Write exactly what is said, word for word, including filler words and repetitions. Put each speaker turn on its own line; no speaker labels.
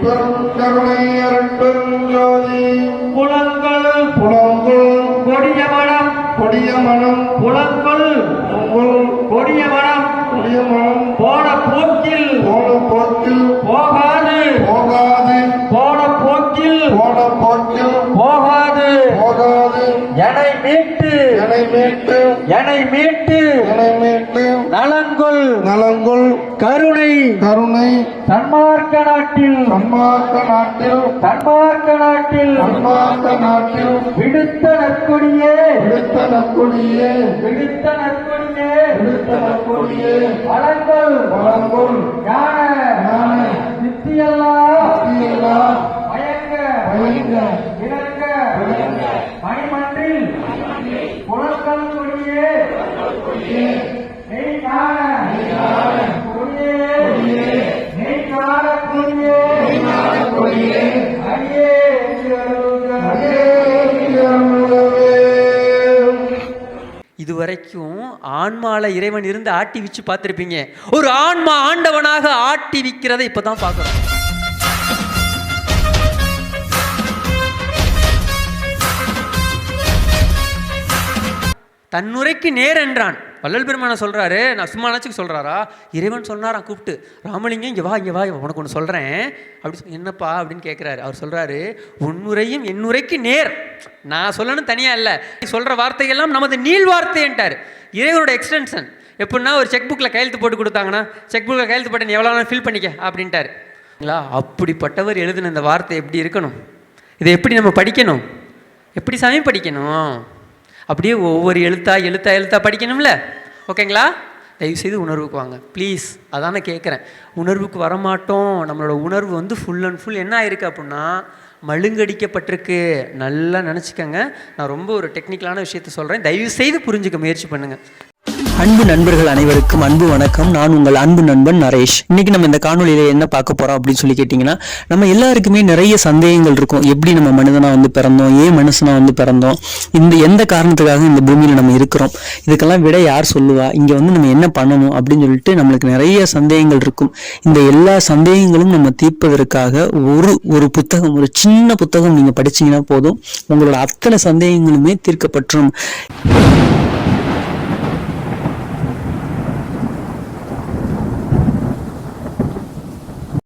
கருணை அருட்பெருஞ்சோதி
புலங்கள்
புலங்குள்
கொடிய மனம்
கொடிய மனம்
புலங்கள் கொடிய மனம்
கொடிய மனம்
போன போக்கில்
போன போக்கில்
போகாது
போகாது
போன போக்கில்
போன போக்கில்
போகாது
போகாது
எனை மீட்டு
எனை மீட்டு
எனை மீட்டு
எனை மீட்டு
நலங்குள்
நலங்குள்
கருணை
கருணை
சன்மார்க்க நாட்டில்
சன்மார்க்க நாட்டில்
சன்மார்க்க நாட்டில்
சன்மார்க்க நாட்டில்
விடுத்த நற்கொடியே
விடுத்த நற்கொடியே
விடுத்த நற்கொடியே
விடுத்த நற்கொடியே
வளங்கள்
வளங்குள்
ஞான
ஞான
சித்தியெல்லாம்
சித்தியெல்லாம்
மயங்க
மயங்க
இறக்க
விளங்க
மணிமன்றில் புலங்கள் கொடியே நெய் காண கொடியே நெய் காண கொடியே
கொடியே
அடியே என்று அருள்க.
இதுவரைக்கும் ஆன்மால இறைவன் இருந்து ஆட்டி விச்சு பார்த்துருப்பீங்க. ஒரு ஆன்மா ஆண்டவனாக ஆட்டி விக்கிறதை இப்பதான் பார்க்கிறோம். தன்னுரைக்கு நேர் என்றான். வள்ளல் பெருமான சொல்றாரு, நான் சும்மா நினச்சிக்கு சொல்றாரா? இறைவன் சொன்னாரான் கூப்பிட்டு, ராமலிங்கம் இங்கே வா இங்கே வா உனக்கு ஒன்று சொல்கிறேன் அப்படி சொல். என்னப்பா அப்படின்னு கேட்குறாரு. அவர் சொல்கிறாரு, உன்னுரையும் என்னுரைக்கு நேர். நான் சொல்லணும் தனியாக இல்லை, சொல்கிற வார்த்தையெல்லாம் நமது நீள் வார்த்தைன்ட்டார். இறைவனோட எக்ஸ்டென்ஷன். எப்படின்னா ஒரு செக் புக்கில் கையெழுத்து போட்டு கொடுத்தாங்கன்னா, செக் புக்கில் கையெழுத்து போட்டு நீ எவ்வளோ நாள் ஃபில் பண்ணிக்க அப்படின்ட்டார். அப்படிப்பட்டவர் எழுதின இந்த வார்த்தை எப்படி இருக்கணும்? இதை எப்படி நம்ம படிக்கணும்? எப்படி சாமி படிக்கணும்? அப்படியே ஒவ்வொரு எழுத்தா எழுத்தா எழுத்தா படிக்கணும்ல. ஓகேங்களா? தயவுசெய்து உணர்வுக்கு வாங்க ப்ளீஸ். அதானே கேட்குறேன். உணர்வுக்கு வரமாட்டோம். நம்மளோட உணர்வு வந்து ஃபுல் அண்ட் ஃபுல் என்ன ஆயிருக்கு அப்படின்னா மழுங்கடிக்கப்பட்டிருக்கு. நல்லா நினச்சிக்கங்க. நான் ரொம்ப ஒரு டெக்னிக்கலான விஷயத்த சொல்கிறேன், தயவுசெய்து புரிஞ்சுக்க முயற்சி பண்ணுங்கள்.
அன்பு நண்பர்கள் அனைவருக்கும் அன்பு வணக்கம். நான் உங்கள் அன்பு நண்பன் நரேஷ். இன்னைக்கு நம்ம இந்த காணொலியில என்ன பார்க்க போறோம் அப்படின்னு சொல்லி கேட்டீங்கன்னா, நம்ம எல்லாருக்குமே நிறைய சந்தேகங்கள் இருக்கும். எப்படி நம்ம மனிதனா வந்து பிறந்தோம், ஏன் மனுஷனா வந்து பிறந்தோம், இந்த எந்த காரணத்துக்காக இந்த பூமியில நம்ம இருக்கிறோம், இதுக்கெல்லாம் விட யார் சொல்லுவா, இங்க வந்து நம்ம என்ன பண்ணணும் அப்படின்னு சொல்லிட்டு நம்மளுக்கு நிறைய சந்தேகங்கள் இருக்கும். இந்த எல்லா சந்தேகங்களும் நம்ம தீர்ப்பதற்காக ஒரு ஒரு புத்தகம், ஒரு சின்ன புத்தகம் நீங்க படிச்சீங்கன்னா போதும், உங்களோட அத்தனை சந்தேகங்களுமே தீர்க்கப்பட்டுரும்.